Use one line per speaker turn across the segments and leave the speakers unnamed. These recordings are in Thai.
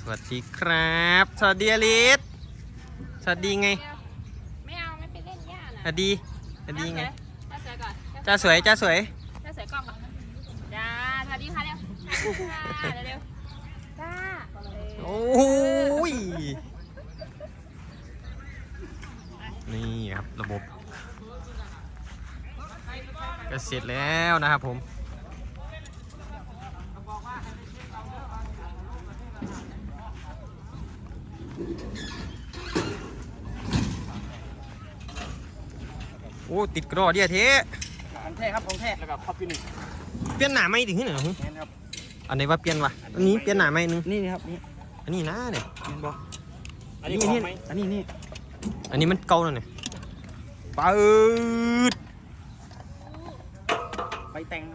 สวัสดีครับสวัสดีอลิสสวัสดีไง
ไม่เอาไม่ไปเล่นหญ้านะ
สวัสดีไง
จ้าสวยก่อน
จ้าสวย
จ้าสวยกล้องก่อนจ้าสวัสดีค่ะเร็วเร็วจ้า
โอ้ยนี่ครับระบบก็เสร็จแล้วนะครับผมโอ้ติดกรอเดียเท
ของแท้ครับของแท้แล้วก็คอปปี้หนึ่ง
เปลี่ยนหนาไม่ถึงที่ไหนหรอ
ครับ
อันไหนว่าเปลี่ยนวะอันนี้เปลี่ยนหนาไม่นึง
นี่ครับนี่
อันนี้นะเนี่ย
เห็นบ่อันนี้
นี่
อันนี้
มันเก่าแล้วเนี่ยปืด
ไฟแต่ง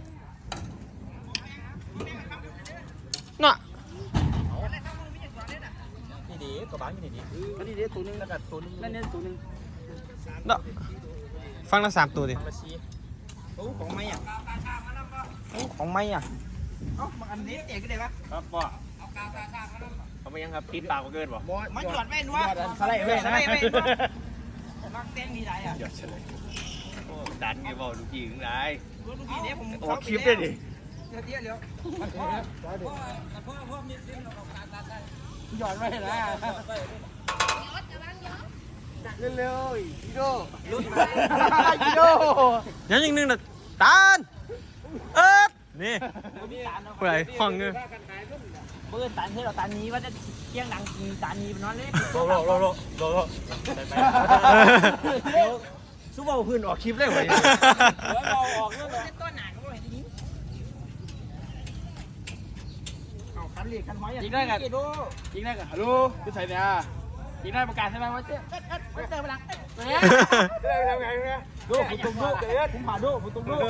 น่ะ
นี่ดีกระบะนี่ดีอันนี้ดีตัวนึงแล้วก็ตัวนึงนั่นตัวนึง
เนาะฟังละ3ตัวดิ
ของไม้อ่ะเอ้าอันนี้เจ๋งก็ได้ปะครับบ่เขาไม่ยังครับปิดปากเกินบ่มันหยอดแม่นวะสไลด์แม่นะมักเต้นมีไรอ่ะหยอดเฉยโอ้ดันไงบ่ลูกพี่ถึงไรลูกพี่เนี่ยผมออกคลิปได้ดิเดี๋ยวหยอดไม่นะเร็วๆอีโดลุ้นมาอีโด
ยังอีกนึงน่ะตาลนี่ผู้ใดห้องเงือ
เบิ้ลตันให้เราตันนี้ว่าจะเที่ยงดังตันนี้เป็นนอนเล่นโลซูเปอร์พื้นออกคลิปได้ไหมเราออกเรื่องต้นหนาเขาบอกเห็นทีนี้เอาคันเหล็กคันไม้ยิงได้กันฮัลโหลพี่ใส่เนี่ยยิงได้ประกาศใช่ไหมว่าเจ๊ไม่เจอพลังทำไงดูฝุ่นตุ้มดูผมผ่าดูฝุ่นตุ้มดู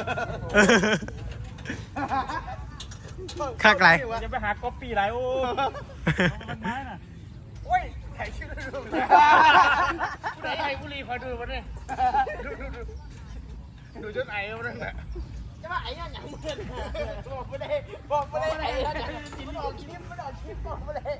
ข้างไกล
จะไปหาก๊อปปี้ไรโอ้มันไม้น่ะโอ้ยถ่ายชื่อดูผู้ใดไอ้บุรีคอยดูมันเลยดูจนไอ้มันนั่นแหละจะว่าไอ้เนี่ยอย่างมึงบอกไม่ได้ไอ้เนี่ยมันออกคลิปบอกไม่ได้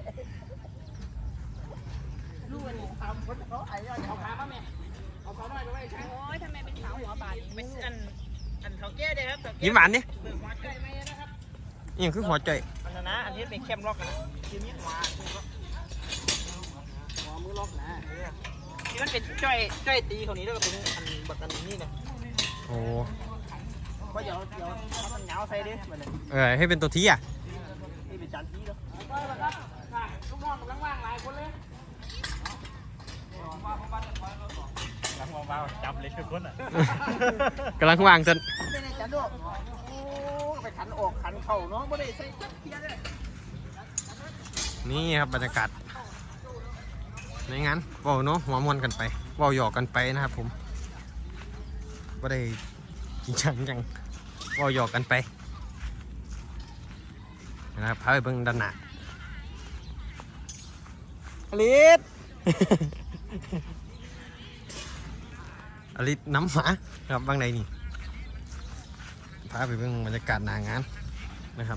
ลูกมันทำคนเขาไอ้เนี่ยเอาขาป่ะแม่เอาขาหน่อยก็ไม่ใช่
โอ้ยทำไมเป็นขาวหัวบาด
ไม่อันเขาแก้ได้ครับ
ยิ้มหวานนี่นี่คือหัวใจ
อันนั้นนะอันนี้เป็นเข้มล็อกนะทีนี้หัวมือล็อกนะนี่มันเป็นจ้อยตีเขานี้แล้วก็เป็นอันบักอันนี้นะ
โอ้
ก็เดี๋ยวมันเหงาใส่ดิ
ให้เป็นตัวทีอ่ะ
นี่เป็นจานทีแล้วครับลูกน้องกำลังว่างหลายคนเลยกำลังว่างจับเลยทุกคนอ่ะ
กำลังวางจน
เป็นไงจันโดไปขันออกขันเข่าเนาะไม่ได้ใส่เทียนเลย
นี่ครับบรรยากาศในงานว่าวเนาะหัวมวนกันไปว่าวหยอกกันไปนะครับผมไม่ได้จริงจังว่าวหยอกกันไปนะครับพาไปเบิ่งด้านหน้าอลิสอลิสน้ำหมาครับบางใดนี่พาไปเบิ่งบรรยากาศหน้างานนะครับ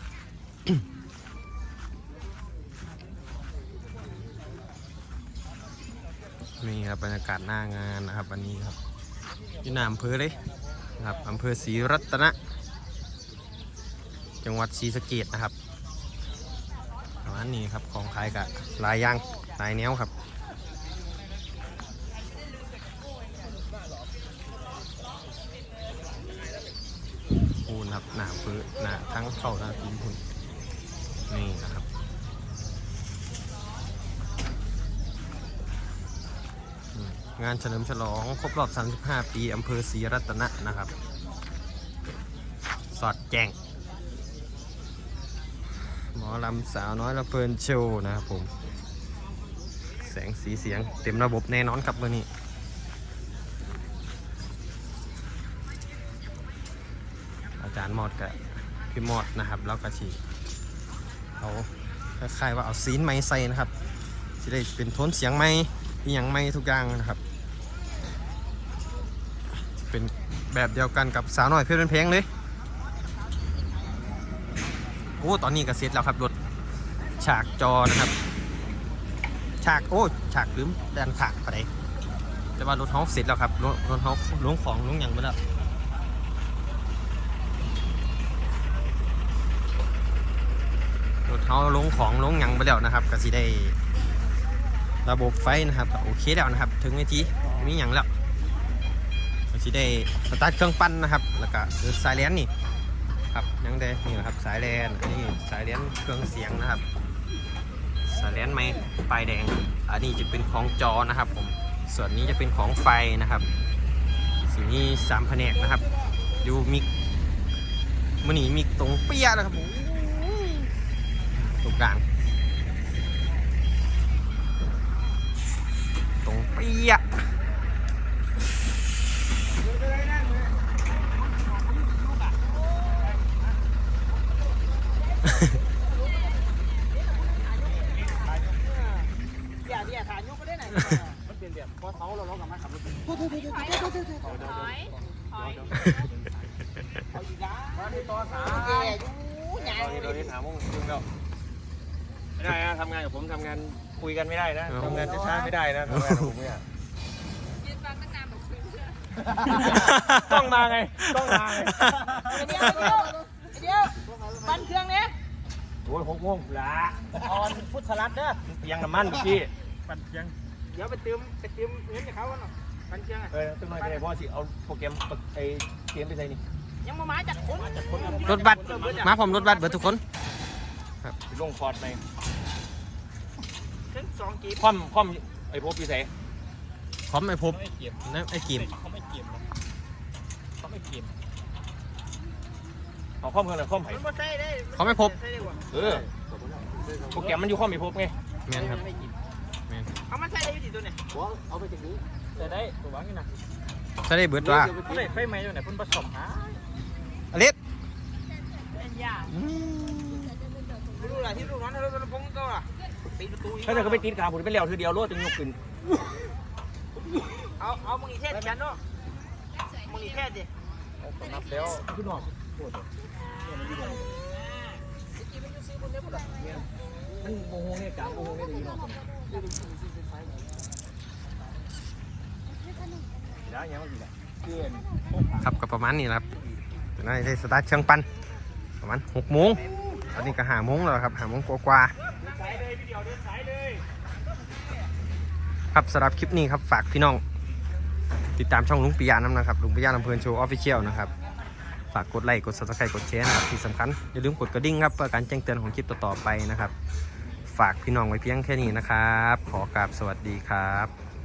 นี่ครับบรรยากาศหน้างานนะครับวันนี้ครับที่อำเภอเลยนะครับอำเภอศรีรัตนะจังหวัดศรีสะเกษนะครับประมาณนี้ครับของขายกับลายยางลายแนวครับปูนครับหนาเพื่อหนาทั้งเข้าหน้าทีมคุณนี่นะครับงานเฉลิมฉลองครบรอบ35 ปีอำเภอศรีรัตนะนะครับสอดแจงหมอลำสาวน้อยละเพลินโชว์นะครับผมแสงสีเสียงเต็มระบบแน่นอนครับวันนี้อาจารย์มอดกับพี่มอดนะครับแล้วก็ชีเขาคล้ายๆว่าเอาซีนไม้ใส่นะครับจะได้เป็นโทนเสียงไม้อย่างไม้ทุกอย่างนะครับเป็นแบบเดียวกันกับสาวน้อยเพลินเพลงเลยโอ้ตอนนี้ก็เสร็จแล้วครับรถเชฉากจอนะครับฉากฉากลืมด้านขางไปไหนแต่ว่ารถเฮาเสร็จแล้วครับรถเฮาลงของลงหยังไปแล้วรถเฮาลงของลงหยังไปแล้วนะครับก็สิได้ระบบไฟนะครับโอเคแล้วนะครับถึงเวทีมีหยังแล้วก็สิได้สตาร์ทเครื่องปั้นนะครับแล้วก็สายแลนนี่ครับยังได้นี่แหละครับสายแลนอันนี้สายแลนเครื่องเสียงนะครับสายแลนไม้ปลายแดงอันนี้จะเป็นของจอนะครับผมส่วนนี้จะเป็นของไฟนะครับสิ่งนี้3แผนกนะครับดูมิกมันนี่มิกตรงเปี้ยนะครับผมตรงกลางตรงเปี้ย
อย่าถ่ายยุกก็ได้ไหนมันเป็นแบบพอเสาเรากับมันขับรถถอยเอาอีกแล้วมาที่ต่อสายแย่ยูใหญ่เราที่ถามว่าคุณเราไม่ได้นะทำงานกับผมทำงานคุยกันไม่ได้นะทำงานช้าไม่ได้นะทำงานกับผมเนี่ย
ยืนฟังตั้งนานแบบคุยเชื่อ
ต้องมาไงต้องมาไง
เดี๋ยวปันเครื่องเนี้ย
โอ้ย6 โมงละออนพุทธรัตน์เด้อเพียงน้ำมันพี่ปั่นเพียงเดี๋ยวไปเติมเงินจากเขาหน่อยปั่นเพียงตึ้งหน่อยก็ได้เพราะสิเอาโปรแกรมไอ้เกมไปใส่นี่ยังมาจัดคน
รถบัสมาผมรถบัสเบิดทุกคน
ครับลงคอร์ดไปถึง2 กีบคว่ำไอ้พวกพี่ใส่
พร้อมไอ้พบนะไอ้เกม
เขาไม่เกมเอาคว่ำกันเลยคว่ำไผ่
เขาไม่พบ
โปรแกรมมันอยู่คว่ำไม่พบไง
แมนครับแมน
เอามาใส่ได้วิธีตัวเนี่ยเอาไปจากนี้ใส่ได้ตัววางนี่นะ
ใส่ได้เบิดว่า
ใส่ไฟไหม้ตัวไหนพุ่นผสมหา
อลิส
ดูอะไรที่ลูกน้องเราพงก็อ่ะปิดประตูถ้าจะก็ไปติดขาผมไปเลี้ยวทีเดียวรถจะยกขึ้นเอามึงอีเทศฉันเนาะมึงอีเทศดินับแล้วขึ้นหน่อยมันโมโหเนี่ยกลางโมโหเนี่ยดีเนาะได้ยังไม่ดีละ
ครับก็ประมาณนี้ครับได้สตาร์ทเครื่องปั้นประมาณ6 โมงตอนนี้ก็5 โมงแล้วครับ5 โมงกว่าครับสำหรับคลิปนี้ครับฝากพี่น้องติดตามช่องลุงปิยะน้ำนะครับลุงปิยะลำเพลินโชว์ออฟฟิเชียลนะครับฝากกดไลค์กด Subscribe กดแชร์นะครับที่สำคัญอย่าลืมกดกระดิ่งครับเพื่อการแจ้งเตือนของคลิปต่อๆไปนะครับฝากพี่น้องไว้เพียงแค่นี้นะครับขอกราบสวัสดีครับ